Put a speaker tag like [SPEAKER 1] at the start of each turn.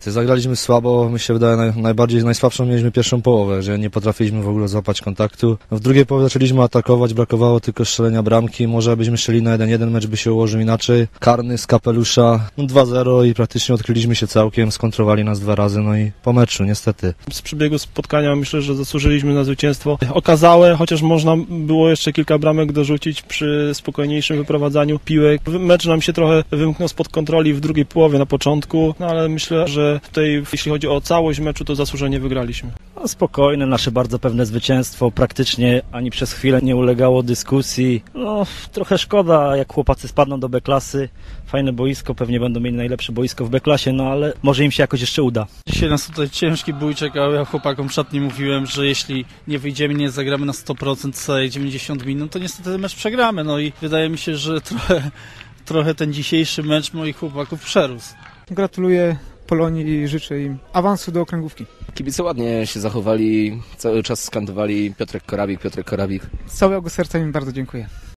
[SPEAKER 1] Zagraliśmy słabo, mi się wydaje najsłabszą mieliśmy pierwszą połowę, że nie potrafiliśmy w ogóle złapać kontaktu. W drugiej połowie zaczęliśmy atakować, brakowało tylko strzelenia bramki, może byśmy strzeli na 1-1, mecz by się ułożył inaczej. Karny z kapelusza, 2-0 i praktycznie odkryliśmy się całkiem, skontrowali nas 2 razy, no i po meczu niestety.
[SPEAKER 2] Z przebiegu spotkania myślę, że zasłużyliśmy na zwycięstwo okazałe, chociaż można było jeszcze kilka bramek dorzucić przy spokojniejszym wyprowadzaniu piłek. Mecz nam się trochę wymknął spod kontroli w drugiej połowie na początku, no ale myślę, że tutaj jeśli chodzi o całość meczu, to zasłużenie wygraliśmy.
[SPEAKER 3] No, spokojne, nasze bardzo pewne zwycięstwo, praktycznie ani przez chwilę nie ulegało dyskusji. No, trochę szkoda, jak chłopacy spadną do B-klasy. Fajne boisko, pewnie będą mieli najlepsze boisko w B-klasie, no ale może im się jakoś jeszcze uda.
[SPEAKER 4] Dzisiaj nas tutaj ciężki bój czekał, ja chłopakom w szatni mówiłem, że jeśli nie wyjdziemy, nie zagramy na 100% całej 90 minut, to niestety ten mecz przegramy. No i wydaje mi się, że trochę ten dzisiejszy mecz moich chłopaków przerósł.
[SPEAKER 5] Gratuluję Polonii i życzę im awansu do okręgówki.
[SPEAKER 6] Kibice ładnie się zachowali, cały czas skandowali Piotrek Korabik.
[SPEAKER 5] Z całego serca im bardzo dziękuję.